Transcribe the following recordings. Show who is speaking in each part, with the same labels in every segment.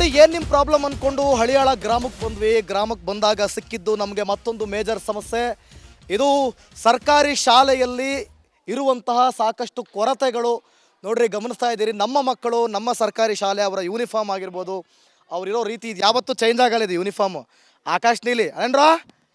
Speaker 1: ನೋಡಿ ಏನು ನಿಮ್ಮ ಪ್ರಾಬ್ಲಮ್ ಅಂದ್ಕೊಂಡು ಹಳಿಯಾಳ ಗ್ರಾಮಕ್ಕೆ ಬಂದ್ವಿ. ಗ್ರಾಮಕ್ಕೆ ಬಂದಾಗ ಸಿಕ್ಕಿದ್ದು ನಮಗೆ ಮತ್ತೊಂದು ಮೇಜರ್ ಸಮಸ್ಯೆ. ಇದು ಸರ್ಕಾರಿ ಶಾಲೆಯಲ್ಲಿ ಇರುವಂತಹ ಸಾಕಷ್ಟು ಕೊರತೆಗಳು. ನೋಡ್ರಿ, ಗಮನಿಸ್ತಾ ಇದ್ದೀರಿ, ನಮ್ಮ ಮಕ್ಕಳು ನಮ್ಮ ಸರ್ಕಾರಿ ಶಾಲೆ ಅವರ ಯೂನಿಫಾರ್ಮ್ ಆಗಿರ್ಬೋದು, ಅವರಿರೋ ರೀತಿ ಇದು ಯಾವತ್ತೂ ಚೇಂಜ್ ಆಗಲ್ಲ. ಇದು ಯೂನಿಫಾರ್ಮ್ ಆಕಾಶ್ ನೀಲಿ ಅನೇನ್ರಾ,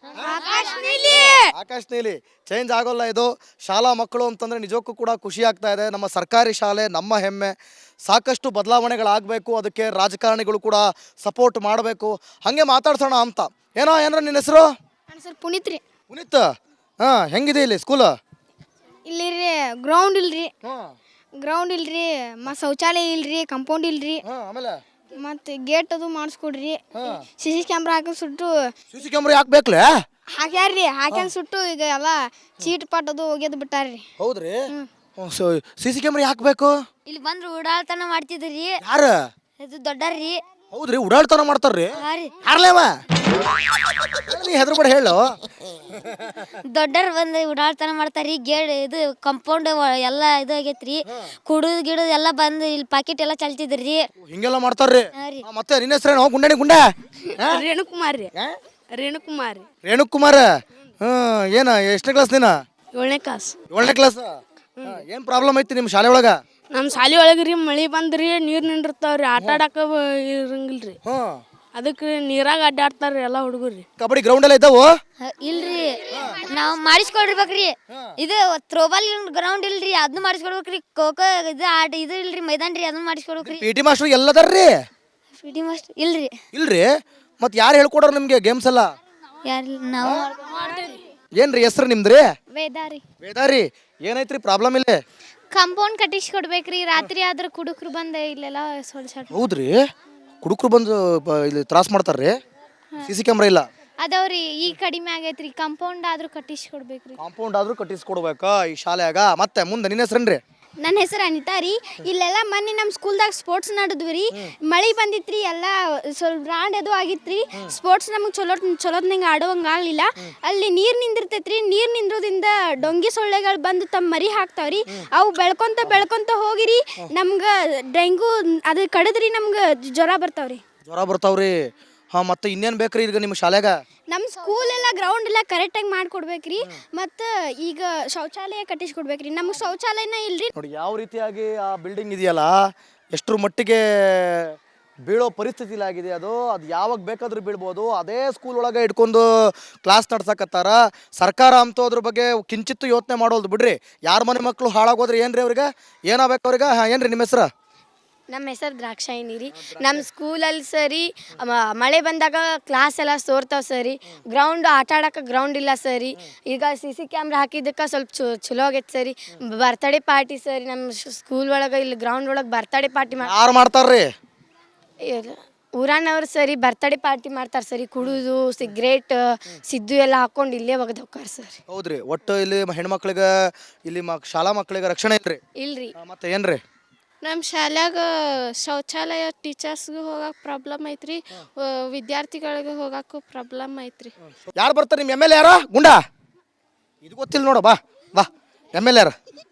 Speaker 1: ಆಕಾಶ್ ನೀಲಿ ಚೇಂಜ್ ಆಗೋಲ್ಲ. ಇದು ಶಾಲಾ ಮಕ್ಕಳು ಅಂತಂದರೆ ನಿಜಕ್ಕೂ ಕೂಡ ಖುಷಿ ಆಗ್ತಾ ಇದೆ. ನಮ್ಮ ಸರ್ಕಾರಿ ಶಾಲೆ ನಮ್ಮ ಹೆಮ್ಮೆ. ಸಾಕಷ್ಟು ಬದಲಾವಣೆಗಳಾಗಬೇಕು, ಅದಕ್ಕೆ ರಾಜಕಾರಣಿಗಳು ಕೂಡ ಸಪೋರ್ಟ್ ಮಾಡಬೇಕು. ಹಾಗೆ ಮಾತಾಡ್ಸೋಣ ಅಂತ. ಏನ್ರ ನಿನ್ನ ಹೆಸರು?
Speaker 2: ಸರ್ ಪುನೀತ್ ರೀ.
Speaker 1: ಪುನೀತ್, ಹಾಂ, ಹೆಂಗಿದೆ ಇಲ್ಲಿ ಸ್ಕೂಲ್?
Speaker 2: ಇಲ್ಲಿ ರೀ ಗ್ರೌಂಡ್ ಇಲ್ರಿ, ಗ್ರೌಂಡ್ ಇಲ್ರಿ, ಶೌಚಾಲಯ ಇಲ್ರಿ, ಕಂಪೌಂಡ್ ಇಲ್ರಿ,
Speaker 1: ಆಮೇಲೆ
Speaker 2: ಮತ್ತೆ ಗೇಟ್ ಅದು ಮಾಡಿಸ್ಕೊಡ್ರಿ. ಸಿ ಕ್ಯಾಮ್ರಾ ಹಾಕಿ ಸುಟ್ಟು
Speaker 1: ಸಿ ಕ್ಯಾಮ್ರಾ ಯಾಕೆ ಬೇಕಲೇ?
Speaker 2: ಹಾಕ್ಯಾರ್ರಿ, ಹಾಕ್ಯಂಡ್ ಸುಟ್ಟು ಈಗ ಎಲ್ಲ ಚೀಟ್ ಪಾಟ್ ಅದು ಒಗೆದು ಬಿಟ್ಟಾರ್ರಿ.
Speaker 1: ಹೌದ್ರಿ, ಸಿ ಕ್ಯಾಮ್ರಾ ಯಾಕೆ ಬೇಕು?
Speaker 2: ಇಲ್ಲಿ ಬಂದ್ರು ಉಡಾಳ್ತನ ಮಾಡ್ತಿದ್ರಿ.
Speaker 1: ಯಾರು?
Speaker 2: ಇದು ದೊಡ್ಡರ್ರಿ.
Speaker 1: ಹೌದ್ರಿ, ಉಡಾಳ್ತನ ಮಾಡ್ತಾರ್ರಿ. ಯಾರ್ಲೇವ ನೀ ಹೆದರ್ಬೇಡ ಹೇಳು.
Speaker 2: ದೊಡ್ಡರ್ ಬಂದು ಉಡಾಳ್ತನ ಮಾಡ್ತಾರ್ರಿ. ಗೇಟ್ ಇದು ಕಂಪೌಂಡ್ ಎಲ್ಲ ಇದು ಆಗೈತ್ರಿ. ಕುಡಿದು ಗಿಡದು ಎಲ್ಲ ಬಂದು ಇಲ್ಲಿ ಪಾಕೆಟ್ ಎಲ್ಲ ಚಲ್ತಿದ್ರಿ.
Speaker 1: ಹಿಂಗೆಲ್ಲ ಮಾಡ್ತಾರ್ರಿ. ಮತ್ತೆ ನಿನ್ನ ಹೆಸರೇನು? ಗುಂಡಣಿ ಗುಂಡ?
Speaker 2: ರೇಣುಕುಮಾರ್ ರೀ. ರೇಣುಕುಮಾರ್ ರೀ.
Speaker 1: ರೇಣುಕುಮಾರ್. ಏನ ಎಷ್ಟನೇ ಕ್ಲಾಸ್ ನೀನ?
Speaker 2: 7ನೇ ಕ್ಲಾಸ್.
Speaker 1: 7ನೇ ಕ್ಲಾಸ್. ಏನ್ ಪ್ರಾಬ್ಲಮ್ ಐತಿ ನಿಮ್ಮ ಶಾಲೆ ಒಳಗ?
Speaker 2: ನಮ್ಮ ಶಾಲೆ ಒಳಗ್ರಿ ಮಳಿ ಬಂದ್ರಿ, ನೀರು ನಿಂದಿರ್ತಾವ್ರಿ, ಆಟ ಆಡಕ ಇರಂಗಿಲ್ರಿ. ಅದಕ್ಕೆ ನೀರಾಗ ಅಡ್ಡಾಡ್ತಾರ್ರಿ ಎಲ್ಲ ಹುಡುಗರ್ರಿ.
Speaker 1: ಕಬಡ್ಡಿ ಗ್ರೌಂಡ್ ಎಲ್ಲ ಇದ್ದಾವು?
Speaker 2: ಇಲ್ರಿ, ನಾವು ಮಾಡಿಸ್ಕೊಡ್ಬೇಕ್ರಿ. ಇದು ಥ್ರೋಬಾಲ್ ಗ್ರೌಂಡ್ ಇಲ್ರಿ, ಅದನ್ನ ಮಾಡಿಸ್ಕೊಡ್ಬೇಕ್ರಿ. ಖೋಖೋ ಇದು ಆಟ ಇದು ಇಲ್ರಿ, ಮೈದಾನ ರೀ, ಅದನ್ನ ಮಾಡಿಸ್ಕೊಡ್ಬೇಕ್ರಿ.
Speaker 1: ಪಿ.ಟಿ. ಮಾಸ್ಟರ್ ಎಲ್ಲದಾರ್ರಿ?
Speaker 2: ಪಿ.ಟಿ. ಮಾಸ್ಟರ್ ಇಲ್ರಿ.
Speaker 1: ಇಲ್ರಿ, ಮತ್ತೆ ಯಾರು ಹೇಳ್ಕೊಡೋರು ನಿಮ್ಗೆ ಗೇಮ್ಸ್ ಎಲ್ಲ?
Speaker 2: ಯಾರಿಲ್ಲ, ನಾವು
Speaker 1: ಏನ್ರಿ ಹೆಸರು ನಿಮ್ದ್ರಿ?
Speaker 2: ವೇದಾರಿ.
Speaker 1: ವೇದಾರಿ, ಏನೈತ್ರಿ ಪ್ರಾಬ್ಲಮ್ ಇಲ್ಲಿ?
Speaker 2: ಕಂಪೌಂಡ್ ಕಟ್ಟಿಸ್ಕೊಡ್ಬೇಕ್ರಿ. ರಾತ್ರಿ ಆದ್ರೆ ಕುಡುಕ್ರು ಬಂದ ಇಲ್ಲೆಲ್ಲ
Speaker 1: ಹೌದ್ರಿ, ಕುಡುಕ್ರು ಬಂದು ಇಲ್ಲಿ ತ್ರಾಸ ಮಾಡ್ತಾರ್ರಿ. ಸಿ ಕ್ಯಾಮ್ರಾ ಇಲ್ಲ
Speaker 2: ಅದವ್ರಿ, ಈಗ ಕಡಿಮೆ ಆಗೈತ್ರಿ. ಕಂಪೌಂಡ್ ಆದ್ರೂ ಕಟ್ಟಿಸ್ಕೊಡ್ಬೇಕ್ರಿ.
Speaker 1: ಕಾಂಪೌಂಡ್ ಆದ್ರೂ ಕಟ್ಟಿಸ್ಕೊಡ್ಬೇಕಾ ಈ ಶಾಲೆಯಾಗ? ಮತ್ತೆ ಮುಂದೆ ನಿನ್ನ ಹೆಸರೇನ್ರಿ?
Speaker 2: ನನ್ನ ಹೆಸರು ಅನಿತಾ ರೀ. ಇಲ್ಲೆಲ್ಲ ಮೊನ್ನೆ ನಮ್ಮ ಸ್ಕೂಲ್ದಾಗ ಸ್ಪೋರ್ಟ್ಸ್ ನಡೆದ್ವಿ ರೀ. ಮಳೆ ಬಂದಿತ್ರಿ, ಎಲ್ಲ ಸ್ವಲ್ಪ ಬ್ರಾಂಡ್ ಅದು ಆಗಿತ್ರಿ. ಸ್ಪೋರ್ಟ್ಸ್ ನಮಗೆ ಚಲೋತ್ನಂಗೆ ಆಡೋವಂಗೆ ಆಗಲಿಲ್ಲ. ಅಲ್ಲಿ ನೀರು ನಿಂದಿರ್ತೈತ್ರಿ. ನೀರು ನಿಂದ್ರೋದ್ರಿಂದ ಡೊಂಗಿ ಸೊಳ್ಳೆಗಳು ಬಂದು ತಮ್ಮ ಮರಿ ಹಾಕ್ತಾವ್ರಿ. ಅವು ಬೆಳ್ಕೊಂತ ಹೋಗಿರಿ ನಮ್ಗೆ ಡೆಂಗು ಅದು ಕಡಿದ್ರಿ, ನಮ್ಗೆ ಜ್ವರ ಬರ್ತಾವ್ರಿ.
Speaker 1: ಜ್ವರ ಬರ್ತಾವ್ರಿ. ಹಾಂ, ಮತ್ತೆ ಇನ್ನೇನು ಬೇಕ್ರಿ ಈಗ ನಿಮ್ಮ ಶಾಲೆಗ?
Speaker 2: ನಮ್ಮ ಸ್ಕೂಲ್ ಎಲ್ಲ ಗ್ರೌಂಡ್ ಎಲ್ಲ ಕರೆಕ್ಟಾಗಿ ಮಾಡಿಕೊಡ್ಬೇಕ್ರಿ. ಮತ್ತು ಈಗ ಶೌಚಾಲಯ ಕಟ್ಟಿಸ್ಕೊಡ್ಬೇಕ್ರಿ. ನಮಗೆ ಶೌಚಾಲಯನ ಇಲ್ರಿ.
Speaker 1: ನೋಡಿ ಯಾವ ರೀತಿಯಾಗಿ ಆ ಬಿಲ್ಡಿಂಗ್ ಇದೆಯಲ್ಲ, ಎಷ್ಟರ ಮಟ್ಟಿಗೆ ಬೀಳೋ ಪರಿಸ್ಥಿತಿಲಾಗಿದೆ. ಅದು ಯಾವಾಗ ಬೇಕಾದ್ರೂ ಬೀಳ್ಬೋದು. ಅದೇ ಸ್ಕೂಲ್ ಒಳಗೆ ಇಟ್ಕೊಂಡು ಕ್ಲಾಸ್ ನಡ್ಸಕತ್ತಾರ. ಸರ್ಕಾರ ಅಂತೂ ಅದ್ರ ಬಗ್ಗೆ ಕಿಂಚಿತ್ತು ಯೋಚನೆ ಮಾಡೋದು ಬಿಡ್ರಿ. ಯಾರ ಮನೆ ಮಕ್ಕಳು ಹಾಳಾಗೋದ್ರೆ ಏನ್ರಿ ಅವ್ರಿಗೆ? ಏನಾಗಬೇಕು ಅವ್ರಿಗೆ? ಏನ್ರಿ ನಿಮ್ಮ ಹೆಸರು?
Speaker 2: ನಮ್ಮ ಹೆಸರು ದ್ರಾಕ್ಷಾಯಿನಿ ರೀ. ನಮ್ಮ ಸ್ಕೂಲಲ್ಲಿ ಸರಿ ಮಳೆ ಬಂದಾಗ ಕ್ಲಾಸ್ ಎಲ್ಲ ಸೋರ್ತಾವೆ ಸರಿ. ಗ್ರೌಂಡ್ ಆಟ ಆಡೋಕೆ ಗ್ರೌಂಡ್ ಇಲ್ಲ ಸರಿ. ಈಗ ಸಿ ಕ್ಯಾಮ್ರಾ ಹಾಕಿದ್ದಕ್ಕೆ ಸ್ವಲ್ಪ ಚಲೋ ಆಗೈತೆ ಸರಿ. ಬರ್ತಡೇ ಪಾರ್ಟಿ ಸರಿ, ನಮ್ಮ ಸ್ಕೂಲ್ ಒಳಗೆ ಇಲ್ಲಿ ಗ್ರೌಂಡ್ ಒಳಗೆ ಬರ್ತಡೇ ಪಾರ್ಟಿ
Speaker 1: ಯಾರು ಮಾಡ್ತಾರ್ರಿ?
Speaker 2: ಊರಾನವ್ರು ಸರಿ ಬರ್ತಡೇ ಪಾರ್ಟಿ ಮಾಡ್ತಾರೆ ಸರಿ. ಕುಡಿದು ಸಿಗ್ರೇಟ್ ಸಿದ್ದು ಎಲ್ಲ ಹಾಕೊಂಡು ಇಲ್ಲೇ ಒಗದು ಹೋಗ್ತಾರೆ ಸರ್.
Speaker 1: ಹೌದ್ರಿ, ಒಟ್ಟು ಇಲ್ಲಿ ಹೆಣ್ಮಕ್ಳಿಗೆ ಇಲ್ಲಿ ಶಾಲಾ ಮಕ್ಕಳಿಗೆ ರಕ್ಷಣೆ ಐತ್ರಿ?
Speaker 2: ಇಲ್ರಿ.
Speaker 1: ಮತ್ತೆ ಏನ್ರಿ?
Speaker 2: ನಮ್ಮ ಶಾಲ್ಯಾಗ ಶೌಚಾಲಯ ಟೀಚರ್ಸ್ಗೂ ಹೋಗಕ್ಕೆ ಪ್ರಾಬ್ಲಮ್ ಐತ್ರಿ, ವಿದ್ಯಾರ್ಥಿಗಳಿಗೆ ಹೋಗಕ್ಕೂ ಪ್ರಾಬ್ಲಮ್ ಐತ್ರಿ.
Speaker 1: ಯಾರು ಬರ್ತಾರೆ? ನಿಮ್ಮ ಎಮ್ ಎಲ್ ಎ ಯಾರ? ಗುಂಡಾ? ಇದು ಗೊತ್ತಿಲ್ಲ ನೋಡ. ಬಾ ಬಾ, ಎಮ್ ಎಲ್ ಎ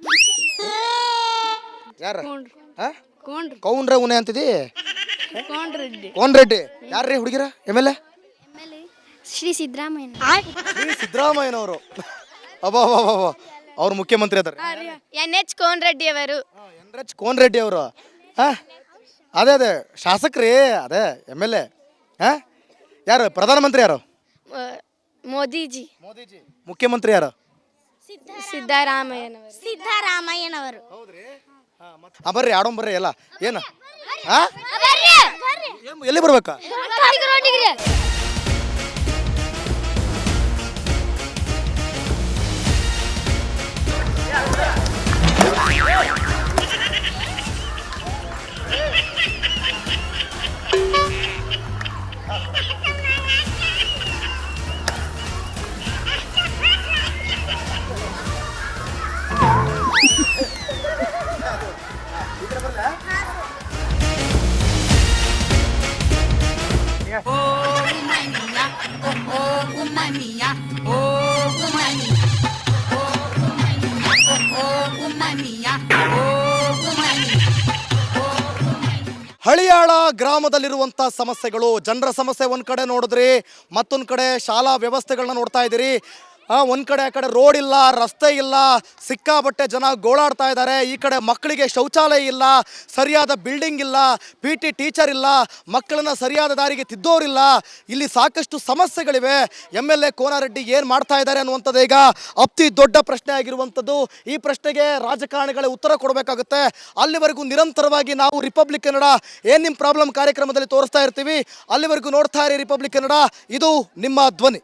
Speaker 1: ಯಾರು? ಕೌಂಡ್ರೆ ಉನೆ ಅಂತಿದಿ? ಕೋನ್ ರೆಡ್ಡಿ ಯಾರ್ರಿ ಹುಡುಗಿರ M L A?
Speaker 2: Shri Siddaramaiah.
Speaker 1: Shri ಸಿದ್ದರಾಮಯ್ಯನವರು. ಅಬ್ಬಾ, ಅವ್ರು ಮುಖ್ಯಮಂತ್ರಿ ಅದಾರೆ.
Speaker 2: NH ಕೋನ್ ರೆಡ್ಡಿ ಅವರು.
Speaker 1: NH ಕೋನ್ ರೆಡ್ಡಿ ಅವರು. ಅದೇ ಶಾಸಕ್ರಿ, ಅದೇ ಎಮ್ ಎಲ್ ಎ. ಯಾರು ಪ್ರಧಾನಮಂತ್ರಿ? ಯಾರು?
Speaker 2: ಮೋದಿಜಿ.
Speaker 1: ಮುಖ್ಯಮಂತ್ರಿ ಯಾರು?
Speaker 2: ಸಿದ್ದರಾಮಯ್ಯನವರು.
Speaker 1: ಬರ್ರಿ ಆಡೋಂಬರ್ರಿ ಎಲ್ಲ. ಏನು ಎಲ್ಲಿ ಬರ್ಬೇಕಾ? ಹಳಿಯಾಳ ಗ್ರಾಮದಲ್ಲಿರುವಂಥ ಸಮಸ್ಯೆಗಳು, ಜನರ ಸಮಸ್ಯೆ ಒಂದು ಕಡೆ ನೋಡಿದ್ರಿ, ಮತ್ತೊಂದು ಕಡೆ ಶಾಲಾ ವ್ಯವಸ್ಥೆಗಳನ್ನ ನೋಡ್ತಾ ಇದ್ದೀರಿ. ಒಂದು ಕಡೆ ಆ ಕಡೆ ರೋಡ್ ಇಲ್ಲ, ರಸ್ತೆ ಇಲ್ಲ, ಸಿಕ್ಕಾಬಟ್ಟೆ ಜನ ಗೋಳಾಡ್ತಾ ಇದ್ದಾರೆ. ಈ ಕಡೆ ಮಕ್ಕಳಿಗೆ ಶೌಚಾಲಯ ಇಲ್ಲ, ಸರಿಯಾದ ಬಿಲ್ಡಿಂಗ್ ಇಲ್ಲ, PT ಟೀಚರ್ ಇಲ್ಲ, ಮಕ್ಕಳನ್ನ ಸರಿಯಾದ ದಾರಿಗೆ ತಿದ್ದೋರಿಲ್ಲ. ಇಲ್ಲಿ ಸಾಕಷ್ಟು ಸಮಸ್ಯೆಗಳಿವೆ. MLA ಕೋನಾರೆಡ್ಡಿ ಏನು ಮಾಡ್ತಾ ಇದ್ದಾರೆ ಅನ್ನುವಂಥದ್ದು ಈಗ ಅತಿ ದೊಡ್ಡ ಪ್ರಶ್ನೆ ಆಗಿರುವಂಥದ್ದು. ಈ ಪ್ರಶ್ನೆಗೆ ರಾಜಕಾರಣಿಗಳೇ ಉತ್ತರ ಕೊಡಬೇಕಾಗುತ್ತೆ. ಅಲ್ಲಿವರೆಗೂ ನಿರಂತರವಾಗಿ ನಾವು ರಿಪಬ್ಲಿಕ್ ಕನ್ನಡ ಏನು ನಿಮ್ಮ ಪ್ರಾಬ್ಲಮ್ ಕಾರ್ಯಕ್ರಮದಲ್ಲಿ ತೋರಿಸ್ತಾ ಇರ್ತೀವಿ. ಅಲ್ಲಿವರೆಗೂ ನೋಡ್ತಾ ಇರಿ ರಿಪಬ್ಲಿಕ್ ಕನ್ನಡ, ಇದು ನಿಮ್ಮ ಧ್ವನಿ.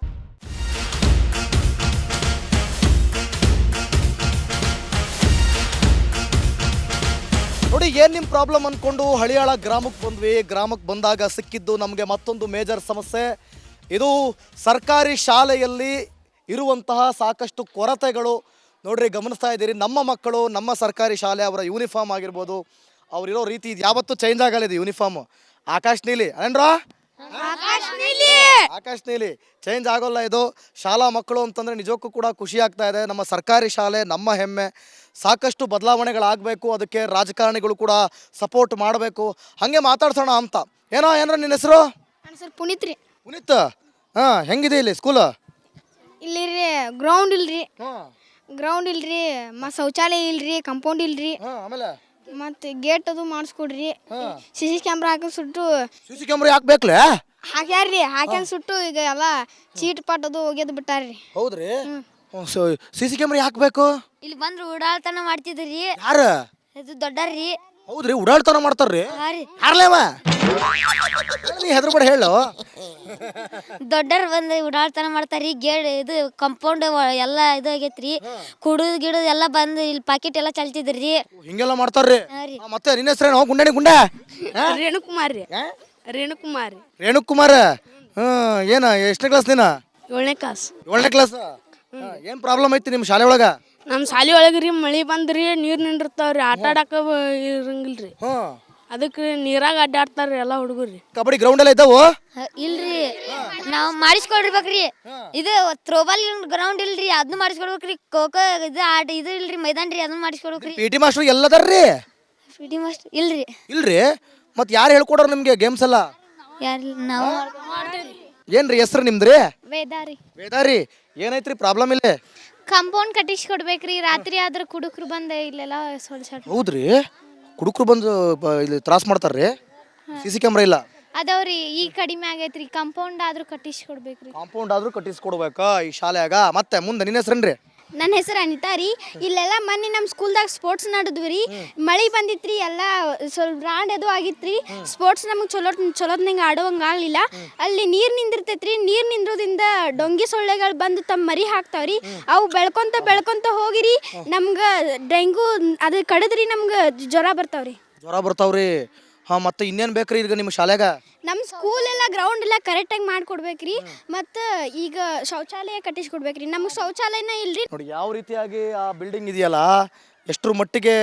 Speaker 1: ನೋಡಿ, ಏನು ನಿಮ್ಮ ಪ್ರಾಬ್ಲಮ್ ಅಂದ್ಕೊಂಡು ಹಳಿಯಾಳ ಗ್ರಾಮಕ್ಕೆ ಬಂದ್ವಿ. ಗ್ರಾಮಕ್ಕೆ ಬಂದಾಗ ಸಿಕ್ಕಿದ್ದು ನಮಗೆ ಮತ್ತೊಂದು ಮೇಜರ್ ಸಮಸ್ಯೆ. ಇದು ಸರ್ಕಾರಿ ಶಾಲೆಯಲ್ಲಿ ಇರುವಂತಹ ಸಾಕಷ್ಟು ಕೊರತೆಗಳು. ನೋಡ್ರಿ, ಗಮನಿಸ್ತಾ ಇದ್ದೀರಿ, ನಮ್ಮ ಮಕ್ಕಳು ನಮ್ಮ ಸರ್ಕಾರಿ ಶಾಲೆ ಅವರ ಯೂನಿಫಾರ್ಮ್ ಆಗಿರ್ಬೋದು, ಅವರಿರೋ ರೀತಿ ಇದು ಯಾವತ್ತೂ ಚೇಂಜ್ ಆಗಲ್ಲ. ಇದು ಯೂನಿಫಾರ್ಮ್ ಆಕಾಶ್ ನೀಲಿ ಅನೇನ್ರಾ, ಆಕಾಶ್ ನೀಲಿ ಚೇಂಜ್ ಆಗೋಲ್ಲ. ಇದು ಶಾಲಾ ಮಕ್ಕಳು ಅಂತಂದರೆ ನಿಜಕ್ಕೂ ಕೂಡ ಖುಷಿ ಆಗ್ತಾ ಇದೆ. ನಮ್ಮ ಸರ್ಕಾರಿ ಶಾಲೆ ನಮ್ಮ ಹೆಮ್ಮೆ. ಸಾಕಷ್ಟು ಬದಲಾವಣೆಗಳಾಗಬೇಕು, ಅದಕ್ಕೆ ರಾಜಕಾರಣಿಗಳು ಕೂಡ ಸಪೋರ್ಟ್ ಮಾಡಬೇಕು. ಹಾಗೆ ಮಾತಾಡ್ಸೋಣ ಅಂತ. ಏನ್ರ ನಿನ್ನ ಹೆಸರು?
Speaker 2: ನನ್ನ ಸರ್ ಪುನೀತ್ ರೀ.
Speaker 1: ಪುನೀತ್, ಹಾಂ, ಹೆಂಗಿದೆ ಇಲ್ಲಿ ಸ್ಕೂಲ್?
Speaker 2: ಇಲ್ಲಿ ರೀ ಗ್ರೌಂಡ್ ಇಲ್ರಿ, ಗ್ರೌಂಡ್ ಇಲ್ರಿ, ಮತ್ತು ಶೌಚಾಲಯ ಇಲ್ರಿ, ಕಂಪೌಂಡ್ ಇಲ್ರಿ,
Speaker 1: ಆಮೇಲೆ
Speaker 2: ಮತ್ತು ಗೇಟ್ ಅದು ಮಾಡಿಸ್ಕೊಡ್ರಿ. CC ಕ್ಯಾಮ್ರಾ ಹಾಕಿ ಸುಟ್ಟು
Speaker 1: CC ಕ್ಯಾಮ್ರಾ ಯಾಕೆ ಬೇಕಲೇ?
Speaker 2: ಹಾಕ್ಯಾರ್ರಿ, ಹಾಕ್ಯಂಡ್ ಸುಟ್ಟು ಈಗ ಎಲ್ಲ ಚೀಟ್ ಪಾಟ್ ಅದು ಒಗೆದು ಬಿಟ್ಟಾರ್ರಿ.
Speaker 1: ಹೌದ್ರಿ? CC ಕ್ಯಾಮ್ರಾ ಯಾಕೆ ಬೇಕು?
Speaker 2: ಇಲ್ಲಿ ಬಂದ್ರು ಉಡಾಳ್ತನ ಮಾಡ್ತಿದ್ರಿ.
Speaker 1: ಯಾರು?
Speaker 2: ಇದು ದೊಡ್ಡರ್ರಿ.
Speaker 1: ಹೌದ್ರಿ, ಉಡಾಳ್ತನ ಮಾಡ್ತಾರ್ರಿ? ಯಾರ್ಲೇವ? ನೀ ಹೆದರ್ಬೇಡ ಹೇಳು.
Speaker 2: ದೊಡ್ಡರ್ ಬಂದು ಉಡಾಳ್ತನ ಮಾಡ್ತಾರ್ರಿ. ಗೇಡ್ ಇದು ಕಂಪೌಂಡ್ ಎಲ್ಲ ಇದು ಆಗೈತ್ರಿ. ಕುಡಿದು ಗಿಡದು ಎಲ್ಲ ಬಂದು ಇಲ್ಲಿ ಪಾಕೆಟ್ ಎಲ್ಲ ಚಲ್ತಿದ್ರಿ.
Speaker 1: ಹಿಂಗೆಲ್ಲ ಮಾಡ್ತಾರ್ರಿ? ಮತ್ತೆ ನಿನ್ನ ಹೆಸರೇನು? ಗುಂಡಾಣಿ ಗುಂಡ?
Speaker 2: ರೇಣುಕುಮಾರ್ ರೀ. ರೇಣುಕುಮಾರ್.
Speaker 1: ರೇಣುಕುಮಾರ್, ಏನ ಎಷ್ಟನೇ ಕ್ಲಾಸ್ ನೀನ?
Speaker 2: 7ನೇ ಕ್ಲಾಸ್.
Speaker 1: 7ನೇ ಕ್ಲಾಸ್. ಏನು ಪ್ರಾಬ್ಲಮ್ ಐತಿ ನಿಮ್ಮ ಶಾಲೆ ಒಳಗ?
Speaker 3: ನಮ್ಮ ಶಾಲೆ ಒಳಗೆ ರೀ ಮಳೆ ಬಂದ್ರಿ, ನೀರು ನಿಂದಿರ್ತಾವ್ರಿ, ಆಟ ಆಡಕ ಇರಂಗಿಲ್ರಿ. ಅದಕ್ಕೆ ನೀರಾಗ ಅಡ್ಡಾಡ್ತಾರ್ರಿ ಎಲ್ಲ ಹುಡುಗರ್ರಿ.
Speaker 1: ಕಬಡ್ಡಿ ಗ್ರೌಂಡ್ ಎಲ್ಲ ಇದ್ದಾವು?
Speaker 2: ಇಲ್ರಿ, ನಾವು ಮಾಡಿಸ್ಕೊಡ್ಬೇಕ್ರಿ. ಇದು ಥ್ರೋಬಾಲ್ ಗ್ರೌಂಡ್ ಇಲ್ರಿ, ಅದನ್ನ ಮಾಡಿಸ್ಕೊಡ್ಬೇಕ್ರಿ. ಖೋಖೋ ಇದು ಆಟ ಇದು ಇಲ್ರಿ, ಮೈದಾನ ರೀ, ಅದನ್ನ ಮಾಡಿಸ್ಕೊಡ್ಬೇಕ್ರಿ.
Speaker 1: PT ಮಾಸ್ಟರ್ ಎಲ್ಲದಾರ್ರಿ?
Speaker 2: PT ಮಾಸ್ಟರ್ ಇಲ್ರಿ.
Speaker 1: ಇಲ್ರಿ? ಮತ್ತೆ ಯಾರು ಹೇಳ್ಕೊಡೋರು ನಿಮ್ಗೆ ಗೇಮ್ಸ್ ಎಲ್ಲ?
Speaker 2: ಯಾರು ನಾವು
Speaker 1: ಏನ್ರಿ ಹೆಸರು ನಿಮ್ದ್ರಿ?
Speaker 2: ವೇದಾರಿ.
Speaker 1: ವೇದಾರಿ, ಏನೈತ್ರಿ ಪ್ರಾಬ್ಲಮ್ ಇಲ್ಲಿ?
Speaker 2: ಕಂಪೌಂಡ್ ಕಟ್ಟಿಸ್ಕೊಡ್ಬೇಕ್ರಿ. ರಾತ್ರಿ ಆದ್ರೆ ಕುಡುಕ್ರು ಬಂದ ಇಲ್ಲೆಲ್ಲ
Speaker 1: ಹೌದ್ರಿ? ಕುಡುಕ್ರು ಬಂದು ಇಲ್ಲಿ ತ್ರಾಸ್ ಮಾಡ್ತಾರ್ರಿ? CC ಕ್ಯಾಮ್ರಾ ಇಲ್ಲ
Speaker 2: ಅದವ್ರಿ, ಈಗ ಕಡಿಮೆ ಆಗೈತ್ರಿ. ಕಂಪೌಂಡ್ ಆದ್ರೂ ಕಟ್ಟಿಸ್ಕೊಡ್ಬೇಕ್ರಿ.
Speaker 1: ಕಾಂಪೌಂಡ್ ಆದ್ರೂ ಕಟ್ಟಿಸ್ಕೊಡ್ಬೇಕಾ ಈ ಶಾಲೆಯಾಗ? ಮತ್ತೆ ಮುಂದೆ ನಿನ್ನ ಹೆಸರೇನ್ರಿ?
Speaker 2: ನನ್ನ ಹೆಸರು ಅನಿತಾ ರೀ. ಇಲ್ಲೆಲ್ಲ ಮೊನ್ನೆ ನಮ್ಮ ಸ್ಕೂಲ್ದಾಗ ಸ್ಪೋರ್ಟ್ಸ್ ನಡೆದ್ವಿ ರೀ. ಮಳೆ ಬಂದಿತ್ರಿ, ಎಲ್ಲ ಸ್ವಲ್ಪ ರಾಂಡ್ ಅದು ಆಗಿತ್ರಿ. ಸ್ಪೋರ್ಟ್ಸ್ ನಮಗೆ ಚಲೋತ್ನಂಗೆ ಆಡೋವಂಗೆ ಆಗಲಿಲ್ಲ. ಅಲ್ಲಿ ನೀರು ನಿಂದಿರ್ತೈತ್ರಿ. ನೀರು ನಿಂದ್ರೋದ್ರಿಂದ ಡೊಂಗಿ ಸೊಳ್ಳೆಗಳು ಬಂದು ತಮ್ಮ ಮರಿ ಹಾಕ್ತಾವ್ರಿ. ಅವು ಬೆಳ್ಕೊಂತ ಹೋಗಿರಿ ನಮ್ಗೆ ಡೆಂಗು ಅದು ಕಡಿದ್ರಿ, ನಮ್ಗೆ ಜ್ವರ ಬರ್ತಾವ್ರಿ.
Speaker 1: ಜ್ವರ ಬರ್ತಾವ್ರಿ? ಹಾಂ, ಮತ್ತೆ ಇನ್ನೇನು ಬೇಕ್ರಿ ಈಗ ನಿಮ್ಮ ಶಾಲೆಗ?
Speaker 2: ನಮ್ಮ ಸ್ಕೂಲ್ ಎಲ್ಲ ಗ್ರೌಂಡ್ ಎಲ್ಲ ಕರೆಕ್ಟಾಗಿ ಮಾಡಿಕೊಡ್ಬೇಕ್ರಿ. ಮತ್ತು ಈಗ ಶೌಚಾಲಯ ಕಟ್ಟಿಸ್ಕೊಡ್ಬೇಕ್ರಿ. ನಮಗೆ ಶೌಚಾಲಯನ ಇಲ್ರಿ.
Speaker 1: ನೋಡಿ ಯಾವ ರೀತಿಯಾಗಿ ಆ ಬಿಲ್ಡಿಂಗ್ ಇದೆಯಲ್ಲ, ಎಷ್ಟರ ಮಟ್ಟಿಗೆ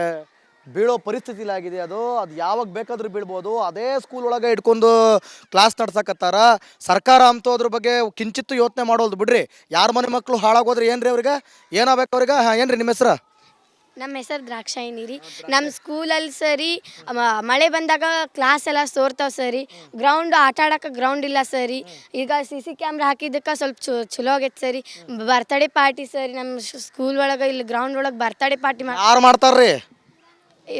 Speaker 1: ಬೀಳೋ ಪರಿಸ್ಥಿತಿಲಿ ಆಗಿದೆ ಅದು ಯಾವಾಗ ಬೇಕಾದ್ರೂ ಬೀಳ್ಬೋದು. ಅದೇ ಸ್ಕೂಲ್ ಒಳಗೆ ಇಟ್ಕೊಂಡು ಕ್ಲಾಸ್ ನಡ್ಸಕತ್ತಾರ. ಸರ್ಕಾರ ಅಂತೂ ಅದ್ರ ಬಗ್ಗೆ ಕಿಂಚಿತ್ತು ಯೋಚನೆ ಮಾಡೋದು ಬಿಡ್ರಿ. ಯಾರ ಮನೆ ಮಕ್ಕಳು ಹಾಳಾಗೋದ್ರೆ ಏನ್ರಿ ಅವ್ರಿಗೆ? ಏನಾಗಬೇಕು ಅವ್ರಿಗೆ? ಏನ್ರಿ ನಿಮ್ಮ ಹೆಸರು?
Speaker 3: ನಮ್ಮ ಹೆಸರು ದ್ರಾಕ್ಷಾಯಿನಿ ರೀ. ನಮ್ಮ ಸ್ಕೂಲಲ್ಲಿ ಸರಿ ಮಳೆ ಬಂದಾಗ ಕ್ಲಾಸ್ ಎಲ್ಲ ಸೋರ್ತಾವೆ ಸರಿ. ಗ್ರೌಂಡ್ ಆಟ ಆಡೋಕೆ ಗ್ರೌಂಡ್ ಇಲ್ಲ ಸರಿ. ಈಗ CC ಕ್ಯಾಮ್ರಾ ಹಾಕಿದ್ದಕ್ಕೆ ಸ್ವಲ್ಪ ಚಲೋ ಆಗೈತೆ ಸರಿ. ಬರ್ತ್ಡೇ ಪಾರ್ಟಿ ಸರಿ ನಮ್ಮ ಸ್ಕೂಲ್ ಒಳಗೆ ಇಲ್ಲಿ ಗ್ರೌಂಡ್ ಒಳಗೆ ಬರ್ತ್ಡೇ ಪಾರ್ಟಿ
Speaker 1: ಯಾರು ಮಾಡ್ತಾರ್ರಿ?